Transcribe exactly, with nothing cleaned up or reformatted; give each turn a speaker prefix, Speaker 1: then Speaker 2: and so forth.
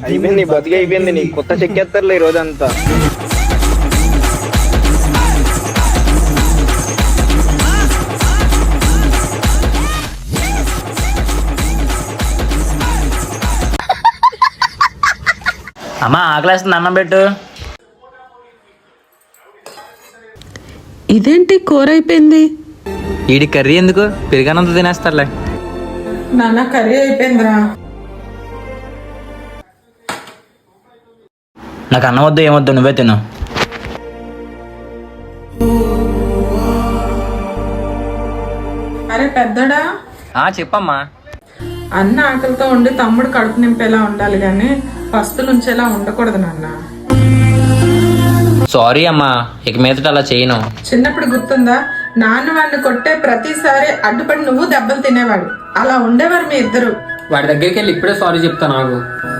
Speaker 1: అయిపోయింది బతికి అయిపోయింది, నీ కొత్త చెక్కేస్తారులే ఈ రోజంతా.
Speaker 2: అమ్మా ఆకలేస్తుంది, అన్నం పెట్టు.
Speaker 3: ఇదేంటి కూర అయిపోయింది?
Speaker 2: వీడి కర్రీ ఎందుకు, పెరిగానంత తినేస్తారులే.
Speaker 3: నాన్న కర్రీ అయిపోయిందిరా.
Speaker 2: నాకు అన్నం వద్దు ఏమొద్దు, నువ్వే తిను.
Speaker 3: అరే పెద్దడా,
Speaker 2: ఆ చెప్పమ్మా.
Speaker 3: అన్న ఆకలితో ఉండి తమ్ముడు కడుపు నింపేలా ఉండాలి కానీ పస్తులు ఉంచేలా ఉండకూడదు నాన్న.
Speaker 2: సారీ అమ్మా, ఇక మీదట అలా చేయను.
Speaker 3: చిన్నప్పుడు గుర్తుందా, నాన్న వాడిని కొట్టే ప్రతిసారి అడ్డుపడి నువ్వు దెబ్బలు తినేవాడు. అలా ఉండేవారు మీ ఇద్దరు.
Speaker 4: వాడి దగ్గరికి వెళ్ళి ఇప్పుడే సారీ చెప్తా. నాకు